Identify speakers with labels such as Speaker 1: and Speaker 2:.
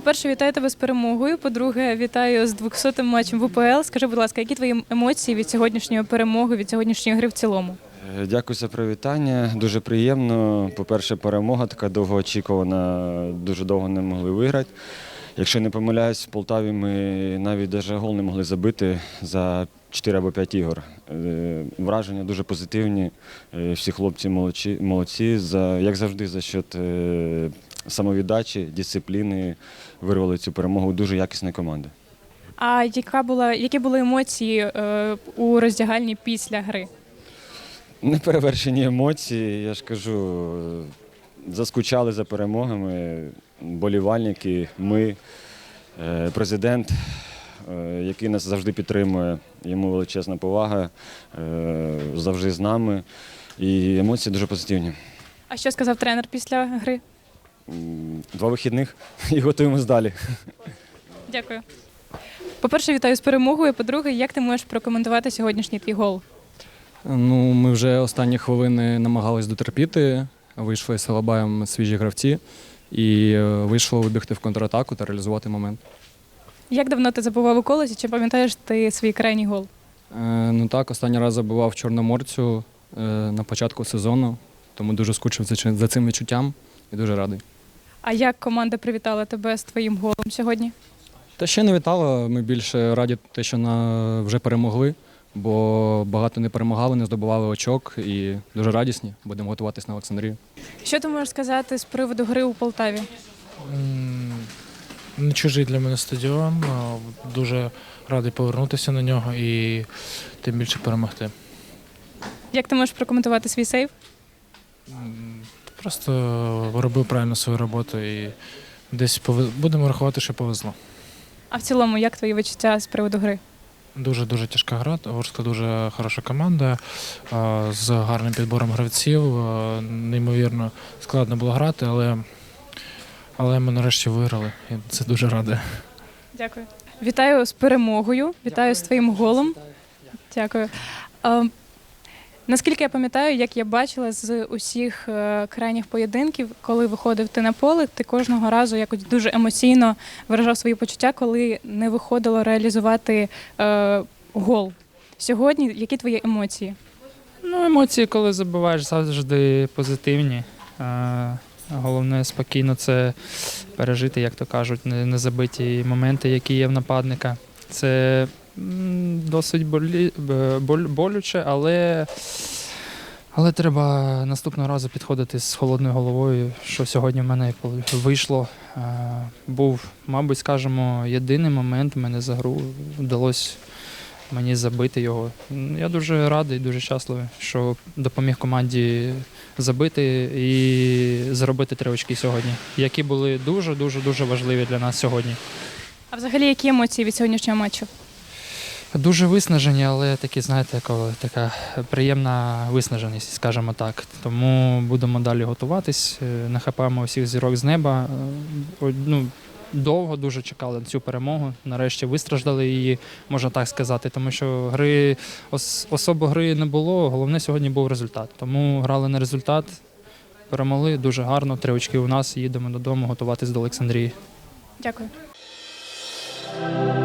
Speaker 1: По-перше, вітаю тебе з перемогою. По-друге, вітаю з 200-м матчем в УПЛ. Скажи, будь ласка, які твої емоції від сьогоднішньої перемоги, від сьогоднішньої гри в цілому?
Speaker 2: Дякую за привітання. Дуже приємно. По-перше, перемога така довгоочікувана, дуже довго не могли виграти. Якщо не помиляюсь, в Полтаві ми навіть даже гол не могли забити за 4 або 5 ігор. Враження дуже позитивні. Всі хлопці молодці. Як завжди, за счет самовіддачі, дисципліни вирвали цю перемогу. Дуже якісна команда.
Speaker 1: А які були емоції у роздягальні після гри?
Speaker 2: Неперевершені емоції, я ж кажу, заскучали за перемогами, болівальники, ми, президент, який нас завжди підтримує, йому величезна повага, завжди з нами, і емоції дуже позитивні.
Speaker 1: А що сказав тренер після гри?
Speaker 2: 2 вихідних і готуємось далі.
Speaker 1: Дякую. По-перше, вітаю з перемогою. По-друге, як ти можеш прокоментувати сьогоднішній твій гол?
Speaker 3: Ну, ми вже останні хвилини намагались дотерпіти, вийшли з Алабаєм свіжі гравці і вийшло вибігти в контратаку та реалізувати момент.
Speaker 1: Як давно ти забував у колесі? Чи пам'ятаєш ти свій крайній гол?
Speaker 3: Ну так, останній раз забивав Чорноморцю на початку сезону, тому дуже скучив за цим відчуттям і дуже радий.
Speaker 1: А як команда привітала тебе з твоїм голом сьогодні?
Speaker 3: Та ще не вітала, ми більше раді те, що вже перемогли, бо багато не перемагали, не здобували очок і дуже радісні. Будемо готуватись на Олександрію.
Speaker 1: Що ти можеш сказати з приводу гри у Полтаві?
Speaker 4: Не чужий для мене стадіон, дуже радий повернутися на нього і тим більше перемогти.
Speaker 1: Як ти можеш прокоментувати свій сейв?
Speaker 4: Просто робив правильно свою роботу і десь будемо рахувати, що повезло.
Speaker 1: А в цілому, як твої відчуття з приводу гри?
Speaker 4: Дуже тяжка гра, Ворскла дуже хороша команда, з гарним підбором гравців, неймовірно складно було грати, але ми нарешті виграли, і це дуже радує.
Speaker 1: Дякую. Вітаю з перемогою, вітаю з твоїм голом. Дякую. Наскільки я пам'ятаю, як я бачила з усіх крайніх поєдинків, коли виходив ти на поле, ти кожного разу якось дуже емоційно виражав свої почуття, коли не виходило реалізувати гол. Сьогодні які твої емоції?
Speaker 5: Ну, емоції, коли забиваєш, завжди позитивні. Головне спокійно це пережити, як то кажуть, незабиті моменти, які є в нападника. Це досить болюче, але треба наступного разу підходити з холодною головою, що сьогодні в мене вийшло. Був, мабуть, скажімо, єдиний момент в мене за гру, вдалося мені забити його. Я дуже радий, дуже щасливий, що допоміг команді забити і заробити 3 очки сьогодні, які були дуже важливі для нас сьогодні.
Speaker 1: А взагалі, які емоції від сьогоднішнього матчу?
Speaker 5: Дуже виснажені, але такі, знаєте, така приємна виснаженість, скажімо так. Тому будемо далі готуватись, нахапаємо всіх зірок з неба. Довго дуже чекали на цю перемогу, нарешті вистраждали її, можна так сказати, тому що особо гри не було, головне сьогодні був результат. Тому грали на результат, перемогли дуже гарно, 3 очки у нас, їдемо додому готуватись до Олександрії.
Speaker 1: Дякую.